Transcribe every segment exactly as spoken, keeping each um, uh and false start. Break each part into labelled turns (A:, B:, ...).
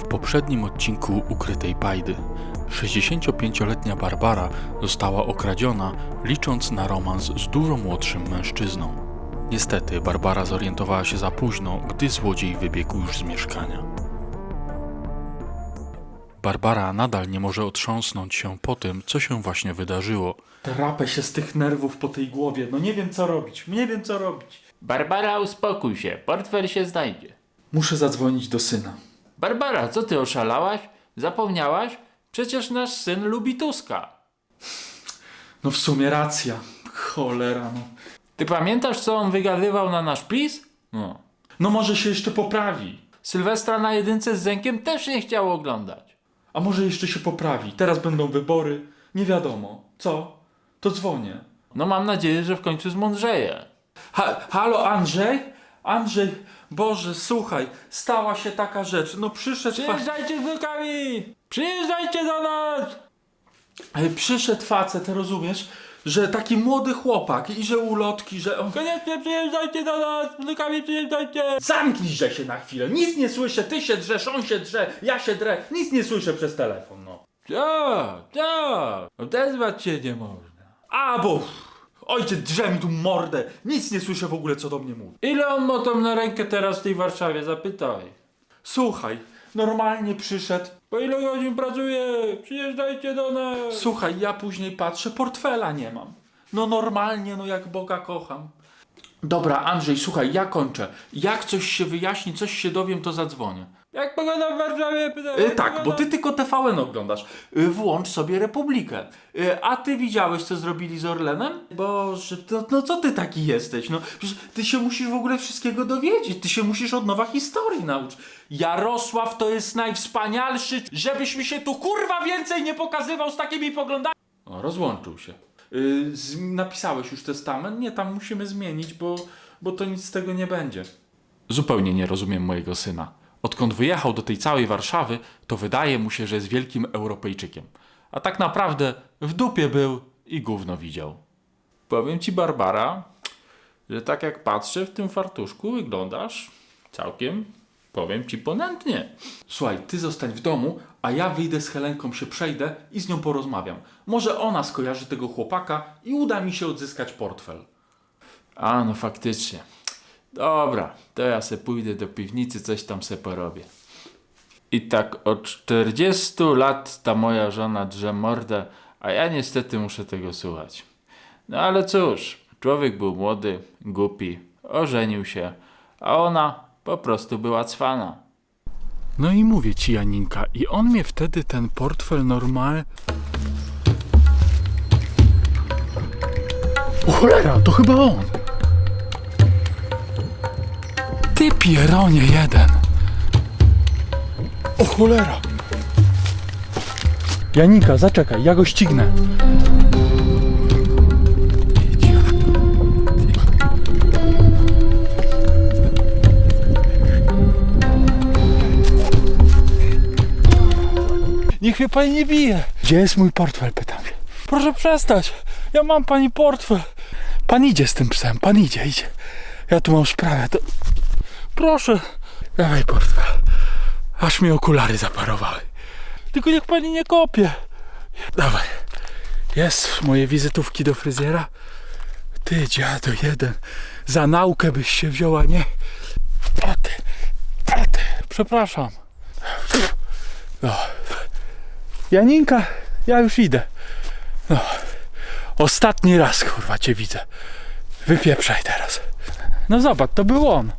A: W poprzednim odcinku Ukrytej Pajdy sześćdziesięciopięcioletnia Barbara została okradziona, licząc na romans z dużo młodszym mężczyzną. Niestety Barbara zorientowała się za późno, gdy złodziej wybiegł już z mieszkania. Barbara nadal nie może otrząsnąć się po tym, co się właśnie wydarzyło.
B: Drapę się z tych nerwów po tej głowie, no nie wiem co robić, nie wiem co robić.
C: Barbara, uspokój się, portfel się znajdzie.
B: Muszę zadzwonić do syna.
C: Barbara, co ty oszalałaś? Zapomniałaś? Przecież nasz syn lubi Tuska.
B: No w sumie racja, cholera no.
C: Ty pamiętasz, co on wygadywał na nasz PiS? No.
B: No może się jeszcze poprawi.
C: Sylwestra na jedynce z Zenkiem też nie chciał oglądać.
B: A może jeszcze się poprawi, teraz będą wybory, nie wiadomo. Co? To dzwonię.
C: No mam nadzieję, że w końcu zmądrzeje.
B: Ha, halo Andrzej? Andrzej, Boże, słuchaj, stała się taka rzecz, no przyszedł... Fa-
C: Przyjeżdżajcie z wnukami! Przyjeżdżajcie do nas!
B: e, przyszedł facet, rozumiesz, że taki młody chłopak i że ulotki, że... on-
C: Koniecznie przyjeżdżajcie do nas! Z wnukami przyjeżdżajcie!
B: Zamknij się na chwilę, nic nie słyszę, ty się drzesz, on się drze, ja się drę, nic nie słyszę przez telefon, no.
C: Co? Co? Odezwać się nie można.
B: A, bo ojciec drze mi tu mordę, nic nie słyszę w ogóle, co do mnie mówi.
C: Ile on ma tam na rękę teraz w tej Warszawie? Zapytaj.
B: Słuchaj, normalnie przyszedł,
C: Po ile godzin pracuje? Przyjeżdżajcie do nas.
B: słuchaj, ja później patrzę, portfela nie mam. No normalnie, no jak Boga kocham. Dobra, Andrzej, słuchaj, ja kończę. Jak coś się wyjaśni, coś się dowiem, to zadzwonię.
C: Jak pogoda w Warszawie? Pytam,
B: Y,
C: jak
B: tak,
C: pogoda?
B: bo ty tylko T V N oglądasz. Y, włącz sobie Republikę. Y, a ty widziałeś, co zrobili z Orlenem? Boże, to, no co ty taki jesteś? No, przecież ty się musisz w ogóle wszystkiego dowiedzieć. Ty się musisz od nowa historii nauczyć. Jarosław to jest najwspanialszy, żebyś mi się tu kurwa więcej nie pokazywał z takimi poglądami. O, rozłączył się. Y, z, napisałeś już testament? Nie, tam musimy zmienić, bo, bo to nic z tego nie będzie. Zupełnie nie rozumiem mojego syna. Odkąd wyjechał do tej całej Warszawy, to wydaje mu się, że jest wielkim Europejczykiem. A tak naprawdę w dupie był i gówno widział.
C: Powiem ci, Barbara, że tak jak patrzę w tym fartuszku, wyglądasz całkiem, powiem ci, ponętnie.
B: Słuchaj, ty zostań w domu, a ja wyjdę z Helenką, się przejdę i z nią porozmawiam. Może ona skojarzy tego chłopaka i uda mi się odzyskać portfel.
C: A, no faktycznie. Dobra, to ja se pójdę do piwnicy, coś tam se porobię. I tak od czterdziestu lat ta moja żona drze mordę, a ja niestety muszę tego słuchać. No ale cóż, człowiek był młody, głupi, ożenił się, a ona po prostu była cwana.
A: No i mówię ci, Janinka, i on mnie wtedy ten portfel normal... O cholera, to chyba on! Ty pieronie jeden! O cholera! Janinka, zaczekaj, ja go ścignę. Niech mnie pani nie bije. Gdzie jest mój portfel, pytam się. Proszę przestać, ja mam pani portfel. Pan idzie z tym psem, pan idzie, idzie. Ja tu mam sprawę, to... Proszę, dawaj portfel. Aż mi okulary zaparowały. Tylko niech pani nie kopie. Dawaj. Jest moje wizytówki do fryzjera. Ty dziadu jeden. Za naukę byś się wzięła, nie? O ty, o ty. Przepraszam. No. Janinka, ja już idę. No. Ostatni raz, kurwa, cię widzę. Wypieprzaj teraz. No zobacz, to był on.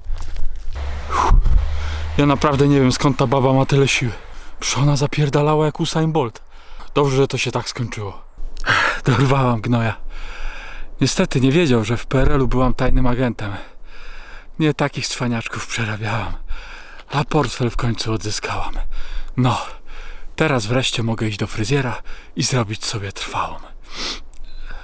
A: Ja naprawdę nie wiem, skąd ta baba ma tyle siły. Przecież ona zapierdalała jak Usain Bolt. Dobrze, że to się tak skończyło. Dorwałam gnoja. Niestety nie wiedział, że w P R L u byłam tajnym agentem. Nie takich cwaniaczków przerabiałam. A portfel w końcu odzyskałam. No, teraz wreszcie mogę iść do fryzjera i zrobić sobie trwałą.